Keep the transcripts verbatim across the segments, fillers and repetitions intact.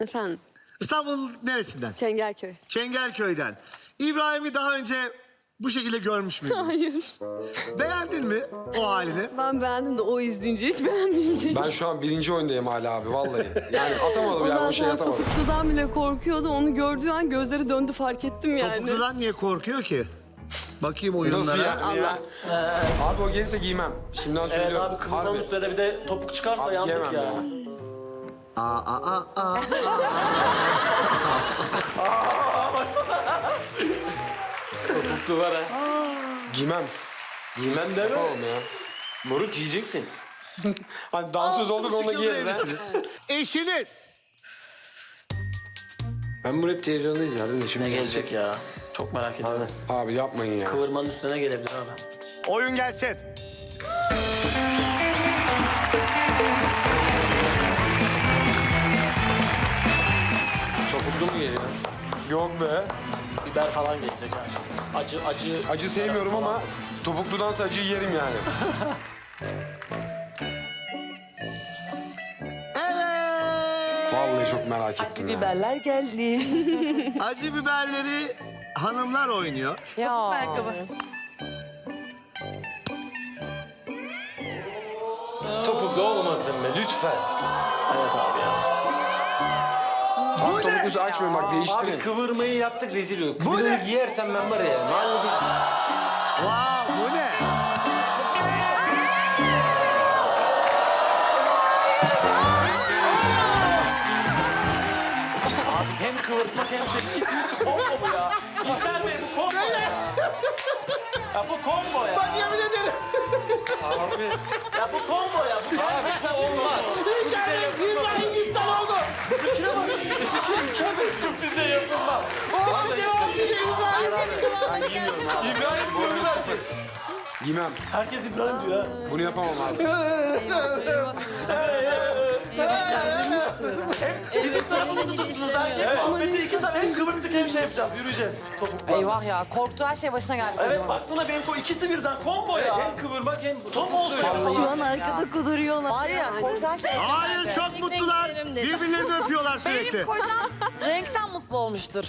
Efendim, İstanbul neresinden? Çengelköy. Çengelköy'den. İbrahim'i daha önce bu şekilde görmüş müydün? Hayır. Beğendin mi o halini? Ben beğendim de o izleyince hiç beğenmeyecek. Ben şu an birinci oyundayım hala abi vallahi. Yani atamadım yani o şeyi zaten atamadım. topukludan bile korkuyordu. Onu gördüğü an gözleri döndü fark ettim yani. Topukludan niye korkuyor ki? Bakayım oyunlara. Nasıl yani ya? Abi o gelirse giymem. Şimdiden Evet söylüyorum. abi kıvırmanın üstüne bir de topuk çıkarsa Abi yandık giyemem ya. ya. Aa, aa, aa. Topuklu var ha. Giymem. Giymem deme. Oğlum ya. Moruk giyeceksin. Hani dansöz olduk onunla giyeriz ha. Eşiniz. Ben bu rap televizyonda izlerdim de şimdi Ne gelecek ya? Çok merak ediyorum. Abi yapmayın ya. Kıvırmanın üstüne gelebilir abi. Oyun gelsin. Topuklu mu geliyor? Yok be. Biber falan gelecek yani. Acı acı. Acı sevmiyorum ama topukludansa acıyı yerim yani. Evet. Vallahi çok merak ettim ya. Biberler geldi. Acı biberleri hanımlar oynuyor. Ya. Topuklu olmasın be lütfen. Evet abi ya. Bu Abi ne? topuklusu açmayın bak değiştirin. Abi kıvırmayı yaptık rezil olduk. Bu Bir de ne? onu giyersem ben var ya. Vallahi Wow, bu ne? abi hem kıvırtmak hem şey ikisini su combo bu ya. İlker Bey bu combo ya. Ya bu combo ya. Ben yemin ederim. Abi. Ya bu combo ya. Bu gerçekten olmaz. İbrahim iptal oldu. Bizimkine bak. Bizimkine İlker Bey bize yapılmaz. Oğlum devam ediyor İbrahim. İbrahim diyor herkes. Giymem. Herkes İbrahim diyor ha. Bunu yapamam abi. Bizim tarafımızı tuttunuz ha. Evet. Ahmet'i iki tane hem kıvırttık hem şey yapacağız. Yürüyeceğiz. Topukla. Eyvah ya. Korktuğu her şey başına geldi. Evet baksana benim ko ikisi birden combo ya. Hem kıvırmak hem top olsun. Şu an arkada kuduruyorlar. Var ya korktuğu her şey Hayır çok mutlular. Birbirlerini öpüyorlar sürekli. Benim kocam renkten mutlu olmuştur.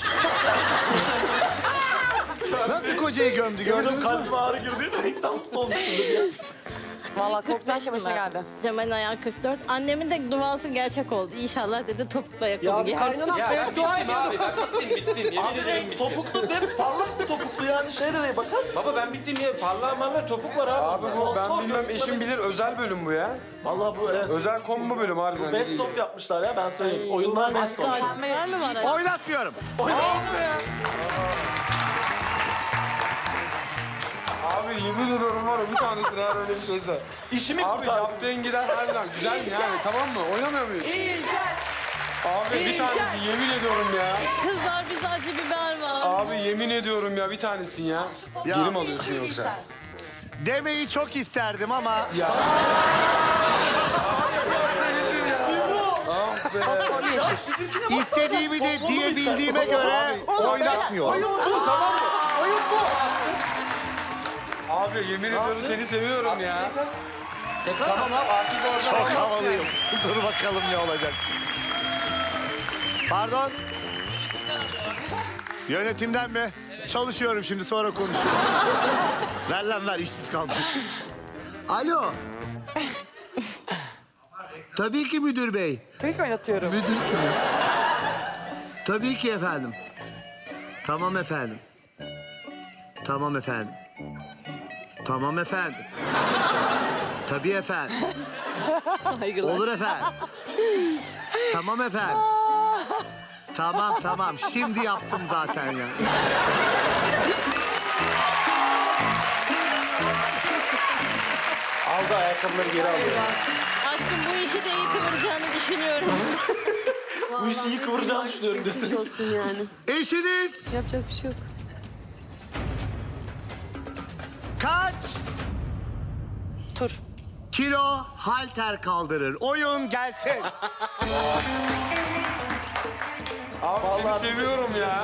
Nasıl kocayı gömdü gördünüz mü? Kalbime ağrı girdi. Renkten mutlu olmuştum dedi ya. Vallahi korktuğu her şey başına geldi. Cemal Ayağı kırk dört. Annemin de duası gerçek oldu. İnşallah dedi topuklu ayakkabı giyer. Ya ben dua ediyordum. Abi ben bittim bittim. Yemin ederim bittim. Topuklu de parlak bir topuklu yani şey de değil bakar. Baba ben bittim ya. Parlak parlak topuk var abi. Abi bu ben bilmem eşim bilir özel bölüm bu ya. Vallahi bu evet. Özel combo bölüm harbiden. ne Best diyeyim. of yapmışlar ya ben söyleyeyim. Oyunlar best of. şu an. Var mı var? Oynat diyorum. Abi yemin ediyorum var ya bir tanesine eğer öyle bir şeyse. İşimi Abi kurtardım. yaptığın gider harbiden güzel mi yani tamam mı? Oynamıyor muyuz? Abi bir tanesi yemin ediyorum ya. Kızlar bize acı biber var. Abi yemin ediyorum ya bir tanesin ya. Ya. Geri mi alıyorsun yoksa? Demeyi çok isterdim ama Ya. Ah be. Fosforlu yeşil. istediğimi de diyebildiğime göre oynatmıyorum. Abi yemin ediyorum seni seviyorum ya. Tamam abi artık orada. Çok havalıyım. Dur bakalım ne olacak. Pardon. Yönetimden mi? Çalışıyorum şimdi sonra konuşuyorum. Ver lan ver işsiz kaldım. Alo. Tabii ki müdür bey. Tabii ki oynatıyorum. Müdür kim? Tabii ki efendim. Tamam efendim. Tamam efendim. Tamam efendim. Tabii efendim. Saygılar. Olur efendim. Tamam efendim. Tamam tamam. Şimdi yaptım zaten ya. Aldı ayakkabıları geri alıyor. Aşkım bu işi de iyi kıvıracağını düşünüyorum. Bu işi iyi kıvıracağını düşünüyorum Geçmiş desin. olsun yani. Eşiniz Yapacak bir şey yok. kaç Tur. kilo halter kaldırır? Oyun gelsin. Abi seni seviyorum ya.